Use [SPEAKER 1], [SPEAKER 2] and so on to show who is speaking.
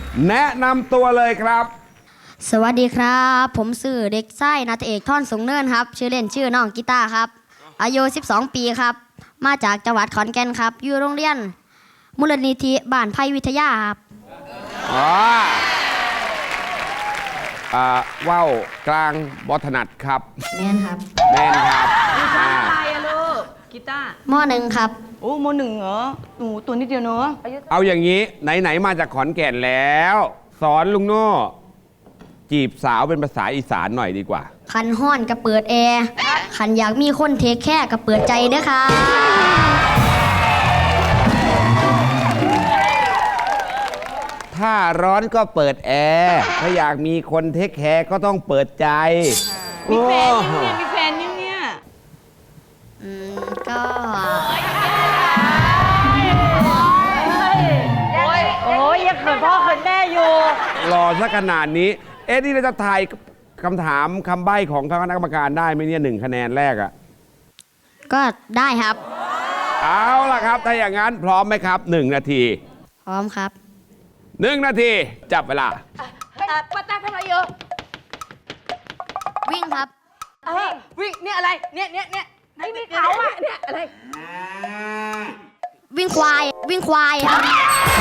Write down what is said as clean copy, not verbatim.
[SPEAKER 1] แนะนำตัวเลยครับ
[SPEAKER 2] สวัสดีครับผมชื่อเด็กชายณัฐเอกท่อนสูงเนินครับชื่อเล่นชื่อน้องกีตาร์ครับอายุ12 ปีครับมาจากจังหวัดขอนแก่นครับอยู่โรงเรียนมูลนิธิบ้านไผ่วิทยาครับ
[SPEAKER 1] ว่าวกลางบอถนัดครับ
[SPEAKER 2] แม่นครับ
[SPEAKER 1] แม่นครับ
[SPEAKER 3] อะไรอะลูกกีตาร์
[SPEAKER 2] ม.1 ครับ
[SPEAKER 3] โอ้ม.1เหรอหนูตัวนิดเดียวเนอะ
[SPEAKER 1] เอาอย่างนี้ไหนๆมาจากขอนแก่นแล้ว สอนลุงโน่จีบสาวเป็นภาษาอีสานหน่อยดีกว่า
[SPEAKER 2] คันห้อนก็เปิดแอร์คันอยากมีคนเทคแค่ก็เปิดใจเด้อค่ะ
[SPEAKER 1] ถ้าร้อนก็เปิดแอร์ถ้าอยากมีคนเทคแคร์ก็ต้องเปิดใจ
[SPEAKER 3] มีแฟนยังเนี่ยมีแฟนยังเนี่ย
[SPEAKER 2] ก็
[SPEAKER 3] โอ้ยยังเขินพ่อเขินแม่อยู่
[SPEAKER 1] รอซะขนาดนี้ เอ๊ะนี่เราจะทายคำถามคำใบ้ของคณะกรรมการได้ไหมเนี่ย1 คะแนนแรกอะ
[SPEAKER 2] ก็ได้ครับ
[SPEAKER 1] เอาล่ะครับ ถ้าอย่างนั้นพร้อมไหมครับ 1 นาที
[SPEAKER 2] พร้อมครับ
[SPEAKER 1] 1 นาที จับเวลา
[SPEAKER 3] ป้าตาทำอะไรเยอะ
[SPEAKER 2] วิ่งครับ
[SPEAKER 3] วิ่งเนี่ยอะไรเนี่ยไอ้นี่เขาอะเนี่ยอะไร
[SPEAKER 2] วิ่งควายครับ